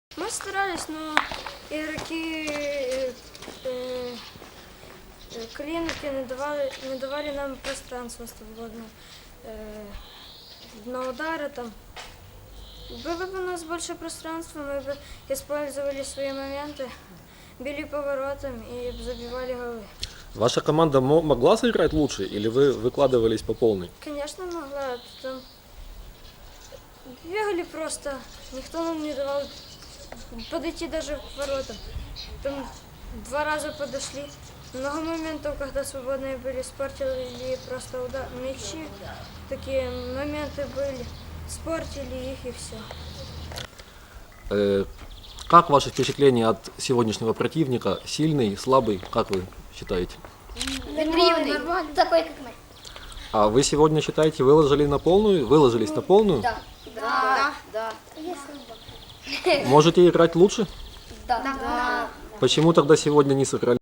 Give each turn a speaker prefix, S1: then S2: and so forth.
S1: Мы старались, но игроки клиники не давали нам пространства свободно на удары там. Было бы у нас больше пространства, мы бы использовали свои моменты, били поворотом и забивали голы.
S2: Ваша команда могла сыграть лучше или вы выкладывались по полной?
S1: Конечно, могла. Там бегали просто, никто нам не давал подойти даже к воротам. Там 2 раза подошли. Много моментов, когда свободные были, спортили просто мячи. Такие моменты были, спортили их и все.
S2: Как ваши впечатления от сегодняшнего противника? Сильный, слабый? Как вы считаете?
S3: Нормально. Такой, как мы.
S2: А вы сегодня считаете, выложились на полную?
S3: Да.
S2: Можете играть лучше?
S3: Да.
S2: Почему тогда сегодня не сыграли?